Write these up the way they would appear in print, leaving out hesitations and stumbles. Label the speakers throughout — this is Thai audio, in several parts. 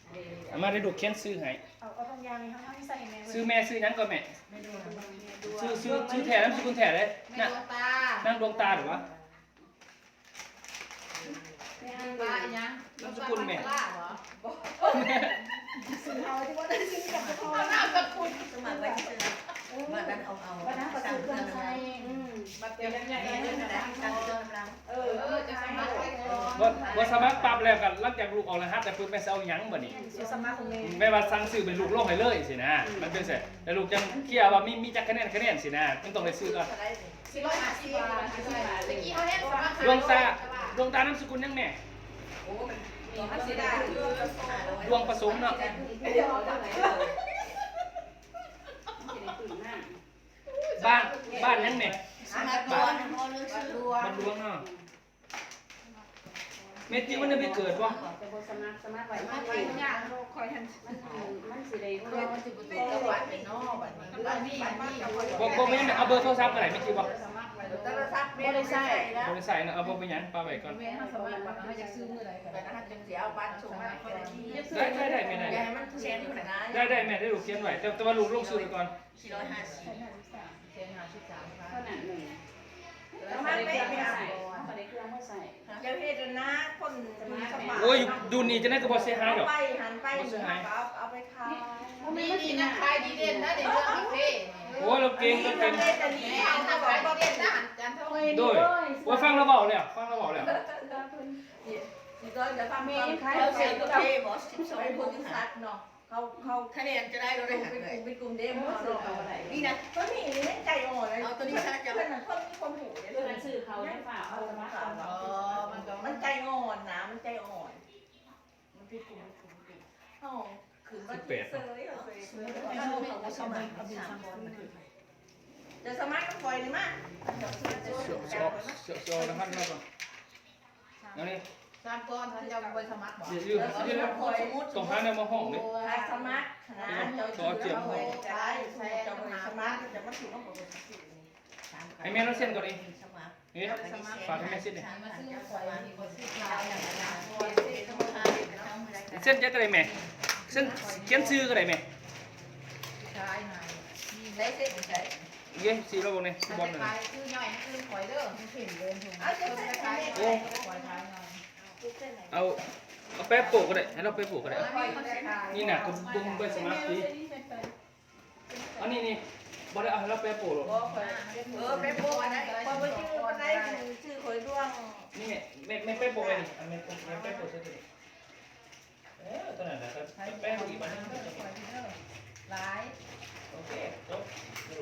Speaker 1: มาได้ดูเขียนซื้อให้
Speaker 2: เอาบางอย่างนี่เขาให้ใส่แม่
Speaker 1: ซื้อแม่ซื้อนั้นก็แม่ซื้อแถมซื้อคุณแถเลยน่ะนั่งดวงตาหรือวะ
Speaker 3: ปลาอย่าง
Speaker 1: นามสกุลแม่
Speaker 2: ซื้อเอาที่ว่าได้ซื้อกับเขา
Speaker 3: นามสกุล
Speaker 4: สมัครไว้ซื้อมาดันเอา
Speaker 2: วันนั้นประตูเครื่องใช้
Speaker 3: มาเตรียมใหญ่ๆเลยนะจะสมัครไว้ก่อน
Speaker 1: บ่สมัครปรับแล้วกันหลังจากลูกออกรหัสแต่ปุ๊บแม่เอาหยังบ่นี่
Speaker 2: สมัครของ
Speaker 1: แม่ว่าสั่งซื้อเป็นลูกโลกให้เลยสินะมันเป็นเสร็จแต่ลูกจังเคลียร์ว่ามีจักคะแนนสินะมันต้องได้ซื้อก่อน
Speaker 3: 450 บาทเมื่อกี้เขาเห็นสมัคร
Speaker 1: ดวงตานามสกุลยังแม่
Speaker 4: โอ้มันสิได้
Speaker 1: ดวงผสมเนาะบ้านยังแม่
Speaker 4: บ้าน
Speaker 1: ดวงเนาะเม็ดที่มันไปเกิดบ่
Speaker 2: แต่บ่สมัครไว้มันสิยากคอยทันมันสิได้
Speaker 3: มันสิบ่ติดตะวันไปนอกบัดนี้
Speaker 1: บ่แม่นเอาเบอร์โทรศัพท์ก็ได้แม่คิดบ่
Speaker 4: โทรศัพท์
Speaker 2: บ่ได้ใช้
Speaker 1: บ่ได้ใส่นะเอาบ่ไปหยังปาไว้ก่อน
Speaker 3: แม่เฮาสมัครว่าเฮาอยากซื้อมื้อใดก็
Speaker 4: แต่ถ้าจังสิเอาบ้านส่งมาก็ได้ที่
Speaker 1: ได้แม่
Speaker 4: อย่าให้มันเซ็นอยู่นะ
Speaker 1: ได้แม่ได้ลูกเขียนไว้แต่ว่าลูกลงซื้อก่อน
Speaker 4: 450
Speaker 3: เซ็น53
Speaker 2: ขนาด1
Speaker 4: แล้วมันไม่
Speaker 2: ใส่เขาได้เครื่องมาใส่
Speaker 4: เจ้าเฮ็ดนะคนสมัคร
Speaker 1: โอ้ยดูนี่จะได้ก็บ่เสียหายดอก
Speaker 4: หันไปเอาไปขาย
Speaker 3: นี่นะขายดีเด่นนะในเรื่องกาแฟ
Speaker 1: โอ้ยเราเก่งก็เป็น
Speaker 3: เอาถ้าขายดีเด่นนะจันทร์
Speaker 1: ด้วยว่าฟังเราเบาแล้ว
Speaker 4: นี่ก็จะทำให้เขาเสียตัวเท่บ่12คนที่ซัดเนาะเขาคะแนนจะได้เราได้เป็นกลุ่มเดมเขาอะไรนี่นะก็นี่นี่ใจอ่อนเลยเอาตัวนี้ซัดจะเป็นคนหูเนี่ย
Speaker 2: เพื่อนซื้อเขาได้ฝากเอามาฝาก
Speaker 4: มันใจอ่อนนะมันใจอ่อนมันเป็นกลุ่มเขาขืนว่าที่เซยเขาสมัครจะสมัครกับคอยนี่มั้ย
Speaker 1: โซนะครับแล้วก็แล้วนี่
Speaker 3: 3ก้อนท่านจะไปสมัครบ่
Speaker 1: ยืมต้องหาแนวมาห้องนี่
Speaker 4: สมัครนะเจ้าเจียมห้องใช่เจ้าสมัครจะมาถึงต้องบอก
Speaker 1: ไอ้แม่เราเซ็นก่อนดินี่ฝากให้แม่เซ็นดิ
Speaker 3: มาซื้อข่อยนี่บ่ซื้อข้าวอย่างนั้น
Speaker 1: เซ็นจะก็ได้แม่เซ็นเขียนชื่อก็ได้แม่
Speaker 3: ใช่ไหม
Speaker 4: ได้เซ็นใช่
Speaker 1: เย้สีเราบอกเนี่ยบอลเลย
Speaker 3: ซื้อย่อยซื้อข่อยเด้อเห็นเลยถุงโอ้ข่อยทายหน่อย
Speaker 1: เอาแป๊บปลูกก็ได้ให้เราไปปลูกก็ได้นี่น่ะก็บุ้งไปสมาธิอันนี้บ่ได้เอาเราแป๊บปลูกหรอก
Speaker 4: แป๊บปลูกนะพอไปชื่อข่อยดวง
Speaker 1: นี่แม่แป๊บปลูกไงนี่แม่แป๊บปลูกใช่ไหมตอนนั้นนะครับแป๊บอีกบ้านนึง
Speaker 3: หลาย
Speaker 1: โอเคจบ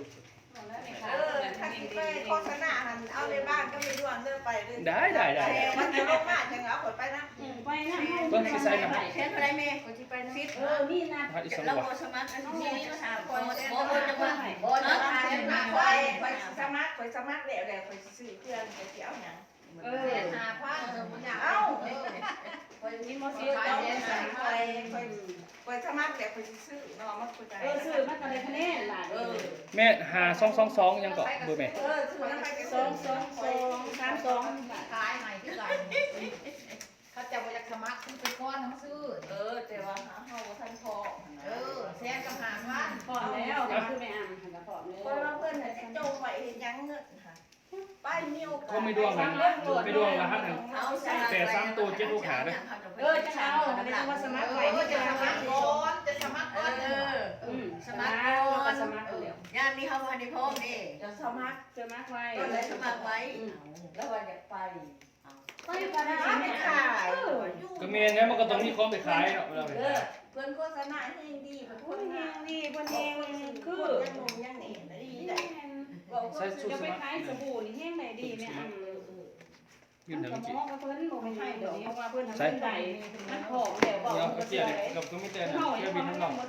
Speaker 4: ถ้าคิดไปโฆษณาหันเอาในบ้านก็ไม่ดวงเดินไป
Speaker 1: ได้
Speaker 4: มันจะลงมาจังเอาขนไปนะ
Speaker 2: ไปนะ
Speaker 1: เบิ้งสิใส่นะ
Speaker 4: เช่นอะไรแม่คนที่ไปนะฟิต
Speaker 2: นี่นะ
Speaker 4: เราโฆษณาอันนี้มาถามคนโอ้จะว่าโอ้จะมาไปสมัครแล้วไปซื้อเครื่องจะเกี่ยวอย่าง
Speaker 3: หาผ้า
Speaker 4: เอ้าไปนี่มาซื้อไปสมัครแล้วไปซื้อเนาะมันคุยกัน
Speaker 2: ซื้อมันก็ได้คะแนนล่ะ
Speaker 1: แม่หา222ยังเกาะเบอร์แม่
Speaker 4: ซื้อนั้นไป
Speaker 3: 222ขายใหม่ที่ไหนเขาจะไปจากสมัครซื้อเป็นก้อนทั้งซื้อ
Speaker 4: แต่ว่าเฮาบ่ทันพอ
Speaker 3: แซนกับหาพัน
Speaker 2: พอแล้วคือไม่อ่านก็พอแล้ว
Speaker 4: เพราะว่าเพิ่นน่ะโจงไว้เฮ็ดหยังเงินค่ะป้ายนิ้ว
Speaker 1: ก็ไม่ดวงกันไม่ดวงรหัสกันแต่3ตัว7ลูกหาเด้
Speaker 2: อจะเอาไม่ต้องมาสมัครไว้นี่จะสมัคร
Speaker 3: ก่อนจะสมัครก่อน
Speaker 4: สมัคร
Speaker 2: ก็สมัครแล้ว
Speaker 4: ย่านนี้เฮาบ่ได้พร้อมนี่จะสมัคร
Speaker 2: ไว้
Speaker 4: ก็เลยสมัครไว้แล้วว่าอยากไป
Speaker 2: ก็ได้
Speaker 4: ไม่ขาย
Speaker 1: ก็แม่นเนี่ยมันก็ต้องมีของไปขายเนาะเวลาไปขาย
Speaker 4: เพิ่นโฆษณาให้ดีเพิ่นโฆษณา
Speaker 2: เพิ่นเองคือ
Speaker 4: ยังนมยังเห็นได้ได้
Speaker 2: ใส่ชุดสมัครจะไปขายสบู่นี่แห้งไหนดีแม่
Speaker 1: ยืนเดี๋ยวจริง
Speaker 2: เพิ่นบ่ให้ดอกเพราะว่าเพิ่นทำได้มันหอมแล้วบอก
Speaker 1: เกี่ยวกับก็มีแต่เกี่ยวบินทั้งหมด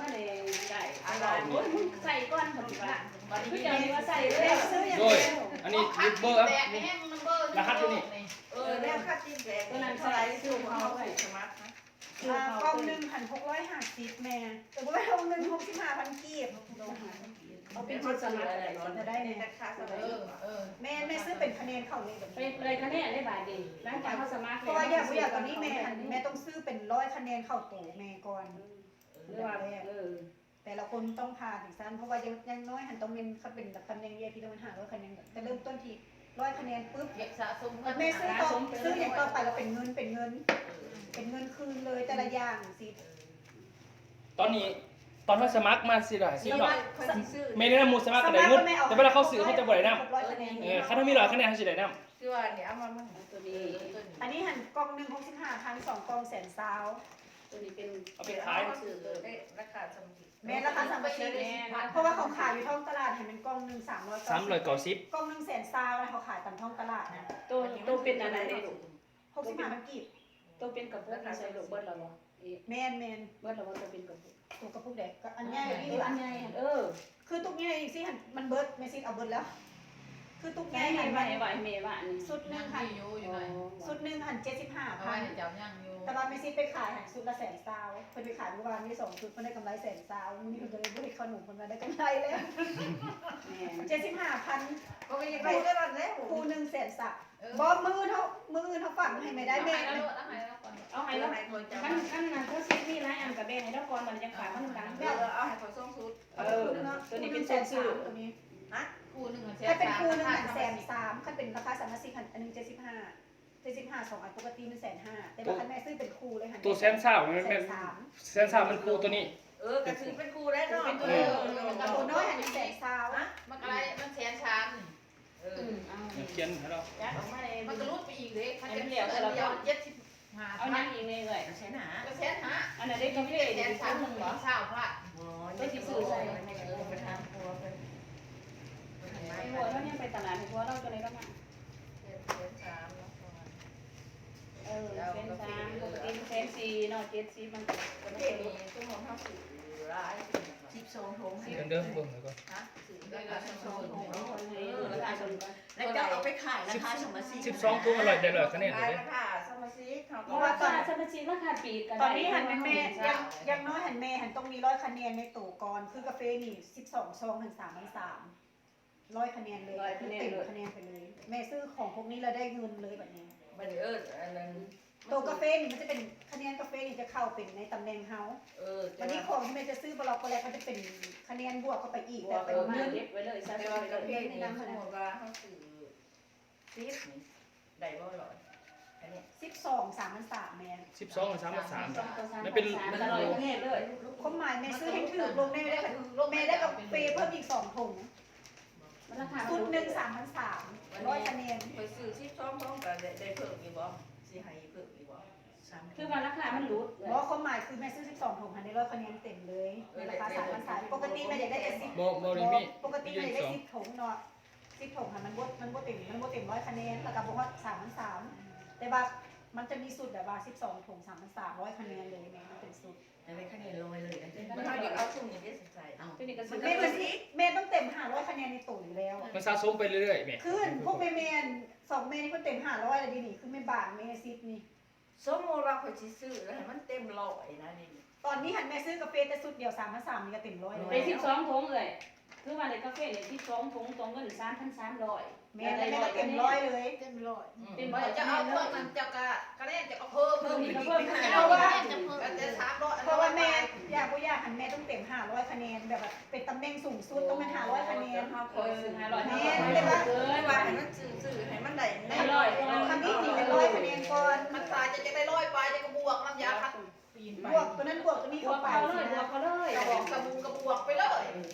Speaker 2: ใส่ก้อนผมว่าคือจะมีว่าใส่เลย
Speaker 1: โดยอันนี้เบอร์รหัสอยู่นี่
Speaker 4: แล้วค่าจิ้มแดงตัวนั้นเท่าไหร่ซื้อเขาไปสมัครนะกล้องนึงหัน
Speaker 3: หัน650แม่แต่ว่าเอาเงิน65,000กีบเอาเป็นชุดสมัครจะได้เนี่ยแม่ซื้อเป็นคะแนนเข้าเลย
Speaker 2: ไปเลยคะแนนได้บาทดีหลังจากเขาสมัคร
Speaker 3: เพราะว่าอยากตอนนี้แม่ต้องซื้อเป็น100คะแนนเข้าตู่แม่ก่อน
Speaker 2: หรือว่า
Speaker 3: แต่ละคนต้องผ่านถึงสั้นเพราะว่ายังน้อยหันต้องเป็นแบบตำแหน่ง VIP ต้องเป็น500คะแนนจะเริ่มต้นที่100คะแนนปุ๊บ
Speaker 4: สะสม
Speaker 3: แม่ซื้ออย่างต่อไปก็เป็นเงินคืนเลยแต่ละอย่างสิ
Speaker 1: ตอนว่าสมัครมาสิล่ะสิเนาะ
Speaker 4: ซื้อ
Speaker 1: ไม่ได้นำมูสมัครก็ได้เงินแต่เวลาเขาซื้อเขาจะบ่ได้นำ
Speaker 3: 100คะแนน
Speaker 1: เขาถ้ามี100คะแนนเขาสิได้นำ
Speaker 4: คือว่าเนี่ยเอามา
Speaker 2: ตัวนี้
Speaker 3: อันนี้หันกล่องหนึ่ง65,000 2กล่องแสนซาว
Speaker 2: ตัวนี้เป็น
Speaker 1: เอาไปขาย
Speaker 4: ซื้อได้ราคาสมมุติ
Speaker 3: แม่ราคาสามพันเพราะว่าเขาขายอยู่ท้องตลาดเห็นเป็นกล่องหนึ่ง390กล่องหนึ่งแสนซาวนะเขาขายตามท้องตลาดนะ
Speaker 2: ตัวเป็นอะไรได้ลูก
Speaker 3: 65,000กีบ
Speaker 2: ตัวเป็นกระปุกใส่ลูกเบิร์ดแล้วบ่
Speaker 3: แมน
Speaker 2: เบิร์ดแล้วบ่ตัวเป็นกระปุก
Speaker 3: ตัวกระปุกเด็กก็อันใหญ่นี่
Speaker 2: อันใหญ่
Speaker 3: คือตุ๊กใหญ่สิหันมันเบิร์ดเมซิเอาเบิร์ดแล้วคือตุ๊กให
Speaker 2: ใหญ่
Speaker 3: ญ่หัน
Speaker 2: ไหวเมย์ว่านี่
Speaker 3: สุดหนึ่งหันสุดหนึ่งหัน75,000แต่ว่าเมซิไปขายหันสุดละแสนซาวเพิ่นไปขายเมื่อวานนี้2ชุดเพิ่นได้กำไรแสนซาวนี่เพิ่นเลยบ่ได้ขนมเพิ่นมาได้กำไรแล้ว75,000
Speaker 4: ก็ยังได้ได้แล้ว
Speaker 3: คู่หนึ่งแสนสักบ่มือเขาฝังให้ไม่ได้แม่
Speaker 2: เอาให้แล้วขั้นนั้นเขาซื้อมีหลายอันกับแบ่งให้แล้วก่อนมันยังขายมันดัง
Speaker 4: แม่เอาให้เขาส่งสุด
Speaker 2: ตัวนี้เป็นแสนซื้อ
Speaker 3: ตัวนี้
Speaker 4: นะคู่หนึ่ง
Speaker 3: ถ้าเป็นคู่หนึ่งหัน130,000ถ้าเป็นราคา310,000อันนึง75 2อันปกติมัน150,000แต่ว่าคันแม่ซื้อเป็นคู่เลยหัน
Speaker 1: ตัวแสนซ่ามันเป็นแสนซ่ามันคู่ตัวนี้
Speaker 4: ก็ซื้อเป็นคู่ได้เนาะ
Speaker 3: ตัวน้อยหัน100,000นะ
Speaker 5: มันอะไรมันแสนชัน
Speaker 1: เขียนให้เรา
Speaker 2: ยัดออกมาเลย
Speaker 5: มันก็รูดไปอีกเลยมันจะเดียว75
Speaker 2: เอานั่งอีกเลยเลย
Speaker 4: ใช่หนา
Speaker 5: ก็แสนหา
Speaker 2: อันนั้นได้กาแฟ
Speaker 5: แสนชันหนึ่งเหรอเช้าพระ
Speaker 4: อ๋อนี่คือซื้อใส่ไปทำครัวไป
Speaker 2: หัวเราเนี่ยไปตลาดหัวเราจะเลยก็มาเส้นสามปกติเส้นสี่เนาะ70มันก็
Speaker 4: ประเท
Speaker 2: ไม่
Speaker 4: ศ
Speaker 2: รู้
Speaker 4: นี้ต้องมองเข้าสู่ร้าย12 ถุง
Speaker 1: เดิมเบิ่งแล้วก็
Speaker 4: ฮะแล้วก็12 ถุง
Speaker 2: ราคาชน
Speaker 4: แล้วก็เอาไปขายราคาสมชิก
Speaker 1: 12ตัวอร่อยได้100คะแนนเลย
Speaker 4: ราคาสมชิกเขา
Speaker 2: เพราะว่าตอนสมาชิกราคาปีกัน
Speaker 3: ตอนนี้หันเป็นแม่ยังน้อยหันแม่หันต้องมี100คะแนนในตู่ก่อนคือกาแฟนี่12ซองหัน3,300 100คะแนนเลยเต็มคะแนนไปเลยแม่ซื้อของพวกนี้เราได้เงินเลยแบบนี้
Speaker 4: มันอันนั้น
Speaker 3: ตัวกาแฟนี่มันจะเป็นคะแนนกาแฟนี่จะเข้าเป็นในตำแหน่งเฮาวันนี้ของที่แม่จะซื้อบล็อกก็แล้วก็จะเป็นคะแนนบวกเข้าไปอีกแต่เป็น
Speaker 2: มา
Speaker 3: เงิน
Speaker 2: เก็บไว้เลยซะ
Speaker 4: แต่ว่ากาแฟนี่สมมติว่าเขาซื้อซีฟนี่ได้บ่หรออันนี้
Speaker 3: 12 3,300แม่
Speaker 1: 12กับ3กับ3มันเป็น
Speaker 2: อร่อยแน่เลย
Speaker 3: ความหมายแม่ซื้อให้ถือลงได้แม่ได้กาแฟเพิ่มอีก2ถุง
Speaker 2: มันราคา
Speaker 3: ชุดหนึ่ง3,300 100คะแนน
Speaker 4: ไปซื้อซีฟช่องกันได้เพิ่มอีกบ่สิให้เพิ่มอีกบ่
Speaker 2: คือว่าราคามันรูด
Speaker 3: เพราะความหมายคือแม่ซื้อ12ถุงหันได้100คะแนนเต็มเลยในราคา3,300ปกติแม่อยากได้แต่10
Speaker 1: บ่ได้มี
Speaker 3: ปกติแม่อยากได้10ถุงเนาะ10ถุงค่ะมันบ่เต็ม100คะแนนแล้วก็บอกว่า3,300แต่ว่ามันจะมีสูตรแบบว่า12ถุง3,300คะแนนเลยแม่มันเป็นสูตร
Speaker 4: ได้คะแนนลอยเลยมันเดี๋ยวเอาสุ่มอย่างนี้ใส่เอา
Speaker 2: ตัวนี้ก็
Speaker 3: แม่ต้องเต็ม500คะแนนในตู้อยู่แล้ว
Speaker 1: มันสะสมไปเรื่อยๆแม่
Speaker 3: คือพวกแม่2แม่นี่ก็เต็ม500แล้วดินี่คือแม่บาทแม่10นี่
Speaker 4: สมมติว่าเขาสิซื้อแล้วให้มันเต็มร้อยนะนี่
Speaker 3: ตอนนี้หันแม่ซื้อกาแฟแต่สุดเดียว3,300นี่ก็เต็ม100
Speaker 2: ไป12ถุงเลยคือว่าในกาแฟเนี่ย12ถุงตรงเงิน3,300
Speaker 3: แม่ได้ก็เต็ม100เลย
Speaker 5: เต็มร้อย
Speaker 2: เต็ม
Speaker 5: จะเอาเพิ่มมันจะกระเด็นจะเพิ่ม
Speaker 2: อีกเพิ่ม
Speaker 5: เอาว่าจะเพิ่มจะ300
Speaker 3: เพราะว่าแม่อยากหันแม่ต้องเต็ม500คะแนนแบบเป็นตำแหน่งสูงสุดต้องเป็น500คะแนน
Speaker 4: เฮาคอยซื้อ
Speaker 2: 500
Speaker 3: แม่เลยว่า
Speaker 4: ไม่ว่าให้มันซื้อให้มันได้
Speaker 3: คำนี้นี่เป็น100คะแนนก่อน
Speaker 5: มันตายจะได้ร้อยไปจะกระบวกน้ำยาคัดปีนไป
Speaker 3: บวกตัวนั้นบวกตัวนี้
Speaker 2: บว
Speaker 3: เข้าก ไป
Speaker 2: เขาเลย
Speaker 5: กระบอกกระบูกระบวกไปเลย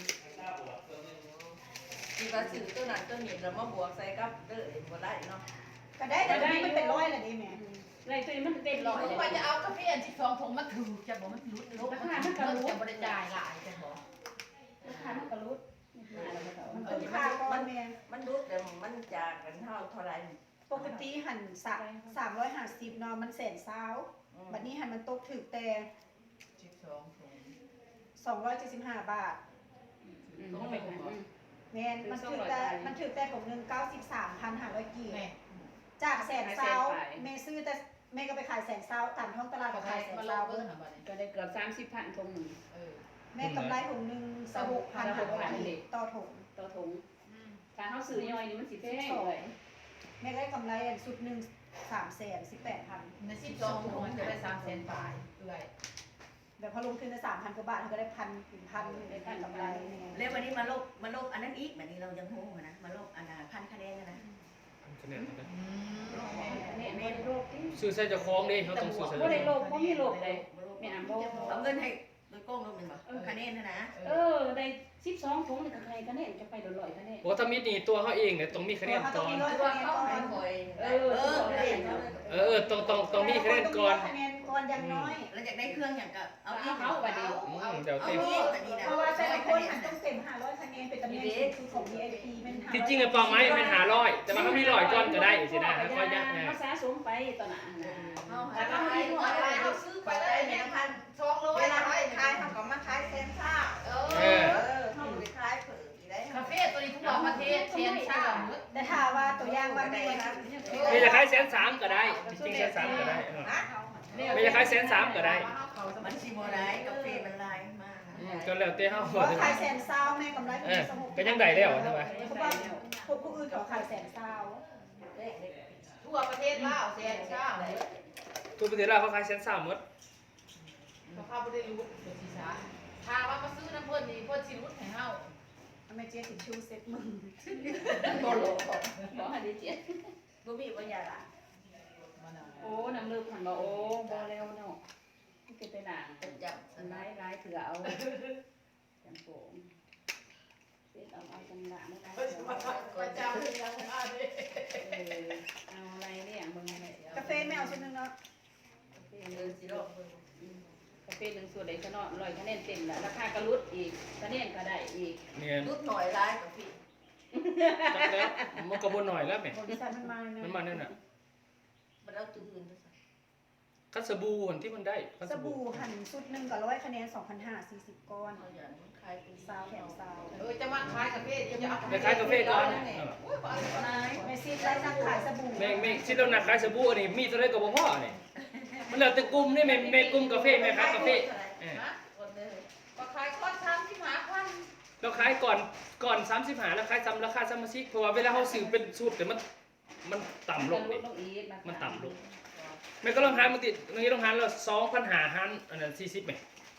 Speaker 4: มีว่าซื้อตัวนั้นตัวนี้แล้วมาบวกใส่กับเด้อบ่ได้เนาะ
Speaker 3: ก็ได้แต่ตัวนี้มันเป็น100แหละดิแม่
Speaker 2: ไรตัวนี้มันเต็มร้อย
Speaker 5: ไปจะเอากาแฟ12ถุงมาถือจะบอกมันรุดจะบริจาคหลายจะบอก
Speaker 2: ราคามันก็รูด
Speaker 3: มันคุ้มค่าก่อนแม่
Speaker 4: มันรู้แต่มันจากกันเท่าไหร่
Speaker 3: ปกติหัน350เนาะมัน120,000บัดนี้หันมันตกถึกแต่
Speaker 4: 12ถุง
Speaker 3: 275 บาท
Speaker 2: ต้องไปขาย
Speaker 3: แม่นมันถึกแต่ของนึง93,500กีบจาก120,000แม่ซื้อแต่แม่ก็ไปขายแสนเศร้าตามท้องตลาดก็ขายแสน
Speaker 5: มา
Speaker 3: เศ
Speaker 5: ลอ
Speaker 3: ร้าง
Speaker 5: เบิ่งหาบัดนี้
Speaker 2: ก็ได้เกือบ30,000ถุงหนึง
Speaker 3: แม่กำไรถุงหนึง26,000ต่อถุง
Speaker 2: ต่อถุงถ้าเฮาซื้อย่อยนี่มันสิแพงเลย
Speaker 3: แม่ก็ได้กำไรอันสุดหนึ่ง318,000
Speaker 5: ใน12ถุงมันจะได้300,000บาทเอื้อย
Speaker 3: แบบพอลงทุนได้3,000 กว่าบาทเขาก็ได้1,000ได้พันกำไรนี่ไง
Speaker 4: แล้ววันนี้มาลบอันนั้นอีกแบบนี้เรายังโหนะมาลบอันพันคะแนนนะ
Speaker 1: คะแนนนะ
Speaker 2: เนี่ยบ่ได้โรคที่
Speaker 1: ซื้อใส่เจ้าของดิเขาต้องซื้อใส่
Speaker 2: บ่
Speaker 1: เจ้าข
Speaker 2: ได้
Speaker 1: อง
Speaker 2: โรคบ่มีโรคใดแม่อ่านบ่
Speaker 4: เอาเงินให้โดยโกงลงเป็นบ่คะแนนนะ
Speaker 2: ได้12ถุงนี่ก็ใครคะแนนจะไป100คะแนน
Speaker 1: โอ้ถ้ามีนี่ตัวเขาเองเนี่ยต้องมีคะแนนก่อน
Speaker 4: ตัวเขาให้คอย
Speaker 1: ต้องมีคะแนนก่อน
Speaker 3: คะแนนก่อนอย่างน้อย
Speaker 4: แล้วอยากได้เครื่องอย่างกับเอาอีก
Speaker 1: เดี๋ยว
Speaker 4: เอา
Speaker 1: เต็ม
Speaker 4: อีกแบบนี้นะ
Speaker 3: เพราะว่าแต่ละคนมันต้องเต็ม500คะแนนเป็นตำแหน่งสูงสุดของ VIP มัน500
Speaker 1: ที่จริงไอ้ปองไม้มันหาร้อยแต่มันก็มีร้อยก้อนก็ได้สินะค่อยยัดนะ
Speaker 2: เฮาสะสมไปตอนนั้นนะ
Speaker 4: เอาให้เอาซื้อไปได้เนี่ย1,200เวลาให้ขายเขาก็มาขายแสนซ่าเขาไปขายเผื่อได้
Speaker 5: คาเฟ่ตัวนี้ทุกประเทศเชนชา
Speaker 3: แต่ถ้าว่าตัวอย่างว่าแม่
Speaker 1: ไม่จะขาย130,000ก็ได้จริง130,000ก็ได้ไม่จะขาย130,000ก็ได้
Speaker 4: มันชิโมได้กาแฟมันลายมาก
Speaker 1: ก็แล้วแต่เฮา
Speaker 3: ว่าขายแสนเศร้าแม่กำไรถึงสมุก
Speaker 1: ก็ยังได้แล้วใช่ไหม
Speaker 3: เพราะว่าพวกผู้อื่นเขาขายแสนเศร้า
Speaker 5: ทั่วประเทศลาวเชนชา
Speaker 1: ทุกประเทศลาวเขาขาย130,000หมด
Speaker 5: เขาเข้าบ่ได้รู้ตัวสิซะถ้าว่ามาซื้อน้ำเพิ่นนี่เพิ่นสิรุดให้เฮา
Speaker 3: แม่เจ๊ถึงชูเซ็ตมึง
Speaker 2: บ่โลบ่หันได้เจ็ด
Speaker 4: บ่มีบ่ยาละ
Speaker 2: โอ้น้ำลึกหันบ่โอ้บ่แล้วเนาะมันเป็นไปหนัง
Speaker 4: เป็นจับ
Speaker 2: หลายเถื่อเอาจังโป่งเฮ็ดเอาจังหวะไม่ได้
Speaker 5: ประจำยังมาดิ
Speaker 2: เอาอะไรเนี่ยมึงอะไร
Speaker 3: กาแฟไม่เอาชุดนึงเนาะ
Speaker 4: สิโล
Speaker 2: กาแฟ1ส่วนใดก็เนาะ100คะแนนเต็มแล้วราคาก็ลดอีกคะแนนก็ได้อีก
Speaker 1: เนี่ย
Speaker 4: รุดหน่อยร้ายกับพี่
Speaker 1: จักแล้วมันก็บ่น้อยแล้วแม่
Speaker 3: บริษัทมันมาเนี่ย
Speaker 1: มันมานั่นน่ะ
Speaker 4: มันเอาตื่น
Speaker 1: คัสบู่อันที่มันได้คั
Speaker 3: สบู่หั่นชุดหนึ่งกับ100คะแนน2,500 40ก้อน
Speaker 4: เขาอย่างขายเป็น
Speaker 3: ซาวแถมซาว
Speaker 5: จะมาขายกาแฟจะเอา
Speaker 1: ไปขายกาแฟก่อน
Speaker 5: โอ้ยบ่เอา
Speaker 3: แม่ซีไลฟ์นักขายสบู่
Speaker 1: แม่คิดแล้วนะขายสบู่อันนี้มีตัวใดก็บ่พอนี่มันแล้วแต่กลุ่มนี่แม่กลุ่มกาแฟแม่ขายกาแฟ
Speaker 5: ฮะก็ขายก้อน35,000
Speaker 1: เราขายก่อน35แล้วขายซ้ำราคาสมาชิกเพราะว่าเวลาเฮาซื้อเป็นสูตรแต่มันต่ำลงนี่มันต่ำลงแม่ก็ลองหารมันติดตรงนี้ลองหารแล้ว2,500หารอันนั้น40แม่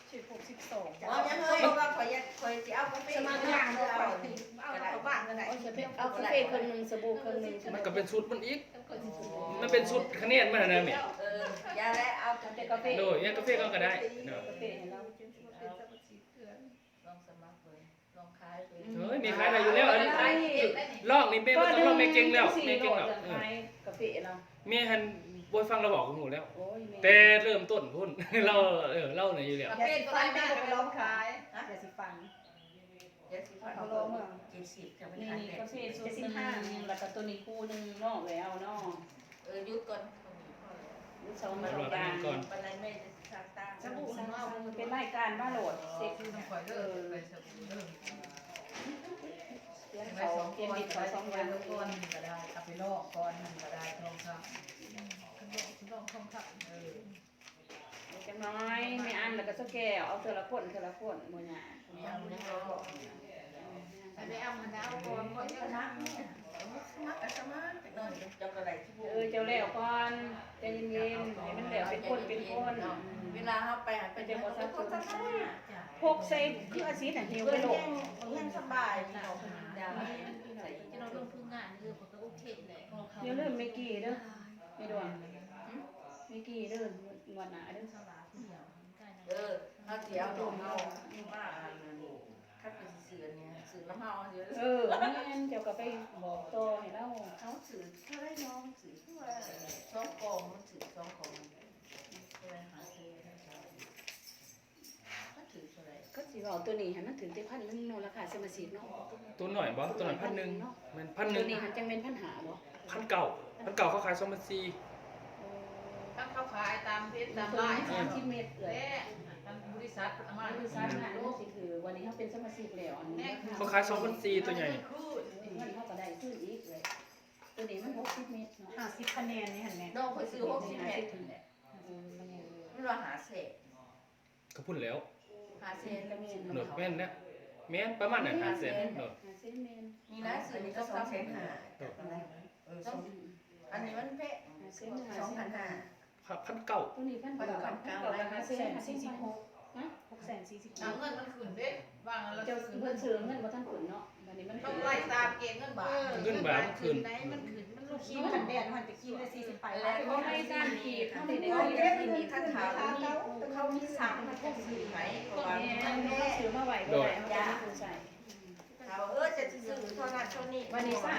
Speaker 3: 12
Speaker 4: อ๋อยังเฮ้ยว่าคอยจะเอากาแฟสมาธิเอาบ้านกันไหน
Speaker 2: เอากาแฟครึ่งนึงสบู่ครึ่งนึง
Speaker 1: มันก็เป็นสูตรมันอีกมันเป็นสูตรคะแนนมันนะแม่
Speaker 4: ยาและเอา
Speaker 2: แต่กาแฟ
Speaker 1: โดยกาแฟก็ได้เนาะ
Speaker 2: กาแฟให้เรา
Speaker 4: ลองสมัครเลยลองขายเลย
Speaker 1: เฮ้ยมีขายอะไรอยู่แล้วอันนี้ลอกนี่แม่บ่ต้องลอกแม่เก่งแล้วแม่เก่งแล้ว
Speaker 2: ขายกาแฟเรา
Speaker 1: แม่หันบ่ฟังเราบอกกับหนูแล้ว
Speaker 2: โอ้ย
Speaker 1: แต่เริ่มต้นพุ่น เราเล่าหน่อยอยู่แล้ว
Speaker 5: กาแฟตัวแม่ก็ไปร้องขาย
Speaker 3: อย่าสิฟัง
Speaker 4: ยาสีฟันเขา70จะไม่
Speaker 2: นี่
Speaker 4: ทัน
Speaker 2: นี่
Speaker 4: เลย
Speaker 2: กาแฟสูตรนึงแล้วก็ตัวนี้คู่นึงเนาะแล้วเนาะ
Speaker 4: ยุดก่อน
Speaker 2: ลูกสาว
Speaker 1: มา
Speaker 2: มา
Speaker 1: หล
Speaker 2: ล
Speaker 1: อง ด
Speaker 2: ยาง
Speaker 1: ก่อน
Speaker 4: ปันไรแม่จะสร้างตา
Speaker 2: สบู่เป็นรายการมาโหลดเซ็ก
Speaker 5: ต้องคอยเลิกไปสบู่เลิก
Speaker 2: เตียน
Speaker 5: ไป
Speaker 2: เขา
Speaker 5: 2
Speaker 2: เตียน
Speaker 5: คน
Speaker 2: ดิบ
Speaker 5: ไป
Speaker 2: เขาสอง
Speaker 5: 2
Speaker 2: อย่าง
Speaker 5: คนก็ได้เอาไปลอกก่อนมันก็ได้ทองคำลองทองคำ
Speaker 2: จังน้อยไม่อันแล้วก็สแกวเอาเทอละคนมื้อนี้
Speaker 4: ยังยังรอ
Speaker 5: ไปเอามันเอาก่อนก่อนจะนัก
Speaker 4: สมัครสมัครแต่นอนจะกระไรที่
Speaker 2: เจ้าแล้วก่อนใจเย็นๆให้มันแล้วเป็นคน
Speaker 4: เวลาเขาไปหาไปเจอคนสักคนสักคน
Speaker 2: พกใส่คืออาชีพน่ะหิว
Speaker 4: เพื่
Speaker 2: ไป
Speaker 4: อน
Speaker 2: โลก
Speaker 4: ยังสบายเราดาว
Speaker 5: จะเราลงทุนงานเรื่องของตัวโอเคแหละ
Speaker 2: อย่าลืมเมกี้เด้อไม่ด่วนเมกี้เด้อวันหน้าเด้อ
Speaker 4: เขาเสียของเขาว่าถ้าเป็นสื่อเนี่ยสื่อน้ำเมาเยอะ
Speaker 2: แม่นเจ้าก็ไปบอกต่อให้เรา
Speaker 4: เขาสื่อเท่าไรน้องสื่อเท่าไรช่องกองมันสื่อช่องกองอะไรหาซื้อก็ถือเท่าไร
Speaker 2: ก็สิเอาตัวนี้ให้มันถึงที่1,000นึงเนาะราคาสมาชิกเนาะ
Speaker 1: ตัวหน่อยบ่ตัวหน่อย1,000มัน
Speaker 2: ตัวนี้
Speaker 1: 1,000
Speaker 2: หันจังแม่น1,000หาบ่
Speaker 1: 1,900เขาขาย2,400
Speaker 5: ถ้าเขาขายตามเพชรตาม
Speaker 2: ตัว
Speaker 5: ไล
Speaker 2: นี้
Speaker 5: น์
Speaker 2: 30เมตรเอ้ย
Speaker 5: ทางบริษัทอามา
Speaker 2: บริษัทน่ะนี่สิคือวันนี้เฮาเป็นสมาชิกแล้วอันนี้
Speaker 1: เขาขาย2,400ตัวใหญ่
Speaker 2: เงินเฮาก็ได้ซื้ออีกเลย
Speaker 1: แ
Speaker 2: ตัวนี้มัน60เมตรเนาะ
Speaker 3: 50คะแนนนี่เห็นไหม
Speaker 4: น้องเขาซื้อ60เมตรมันว่าหาเศษ
Speaker 1: ก็พูดแล้ว
Speaker 4: หาเศษ
Speaker 1: โดดแม่นนะแม่นประมาณนั้น5เซนโดด
Speaker 2: 50เมตร
Speaker 4: นี่นะซื้อนี่ก็2,500อันนี้มันเป๊ะ 2,500
Speaker 1: พันเก่า
Speaker 2: ตัวนี้พัน
Speaker 4: พัน
Speaker 2: เก้า
Speaker 4: เก้าเก้า
Speaker 3: 646
Speaker 2: ฮะ
Speaker 3: 646
Speaker 5: เอาเงินมันขึ้นเด้วางแล้ว
Speaker 2: เจ้าเพิ่นซื้อเงินบ่ทันขึ้นเนาะบัดนี้มัน
Speaker 5: ต้องไล่ตามเกณฑ์เงินบาท
Speaker 1: เงินบาทมันขึ้น
Speaker 5: ไหนมันขึ้นมันลูก
Speaker 3: คิ
Speaker 5: ขี้
Speaker 3: ว
Speaker 5: มัน
Speaker 3: กันแดดหันไปคิวได้40ไป
Speaker 2: แล้วก็ให้ตามขีดเท่านี้ได้
Speaker 3: เอา
Speaker 2: เล
Speaker 3: เด้
Speaker 2: ย
Speaker 3: มันมีคันขาวมีเขามี3มันก็ซื้อไหม
Speaker 2: ก็แม่ซื้อมาไว้บ่ได้เอาไปใส่
Speaker 4: จะซื้อเท่านั้นเท่านี้
Speaker 2: วันนี้